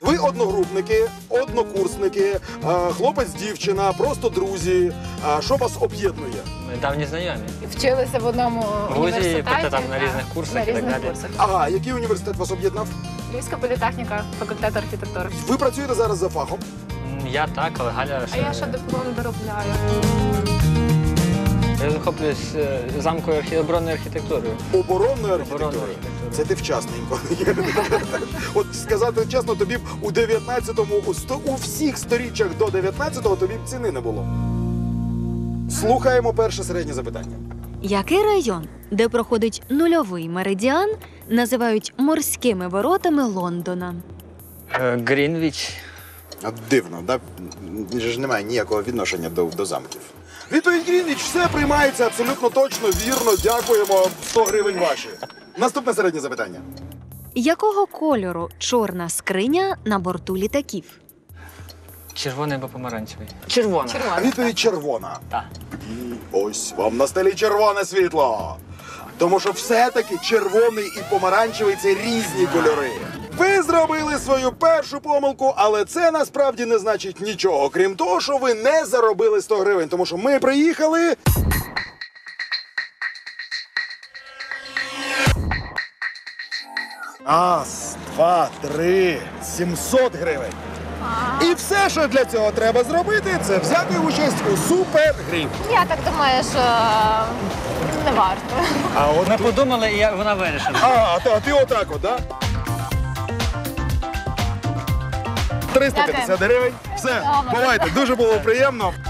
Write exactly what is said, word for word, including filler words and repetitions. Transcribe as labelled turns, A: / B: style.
A: Ви одногрупники, однокурсники, хлопець-дівчина, просто друзі. Що вас об'єднує?
B: Ми давні знайомі.
C: Вчилися в одному
B: В вузі,
C: університеті.
B: проте там на
C: та,
B: різних курсах
C: на
B: і так
C: різних
B: далі.
C: курсах.
A: Ага, який університет вас об'єднав?
C: Львівська політехніка, факультет архітектури.
A: Ви працюєте зараз за фахом?
B: М, Я так, але Галя
C: А
B: ще...
C: я ще диплом доробляю.
B: Я захоплююсь е, замковою архі... оборонною архітектурою.
A: Оборонною
B: Оборонною
A: архітектурою.
B: архітектурою.
A: Це ти вчасненько. От сказати чесно, тобі б у дев'ятнадцятому, у, сто- у всіх сторіччях до дев'ятнадцятого тобі б ціни не було. Слухаємо перше середнє запитання.
D: Який район, де проходить нульовий меридіан, називають морськими воротами Лондона?
B: Е, Грінвіч.
A: А дивно, да? Ж немає ніякого відношення до, до замків. Відповідь Грінвіч, все приймається абсолютно точно, вірно. Дякуємо. сто гривень ваші. Наступне середнє запитання.
D: Якого кольору чорна скриня на борту літаків?
B: Червоний або помаранчевий? Червоний.
A: А
C: Червона.
A: відповідь червона.
B: Так.
A: Ось вам на столі червоне світло. Тому що все-таки червоний і помаранчевий – це різні кольори. Ви зробили свою першу помилку, але це насправді не значить нічого, крім того, що ви не заробили сто гривень. Тому що ми приїхали... Раз, два, три, сімсот гривень. І все, що для цього треба зробити, це взяти участь у супергрі.
C: Я так думаю, що не варто.
A: А от
B: Ми подумали, і я- вона вирішила.
A: А, а ти, а ти отак от, да? триста п'ятдесят гривень. Все,
C: Добре.
A: бувайте, дуже було приємно.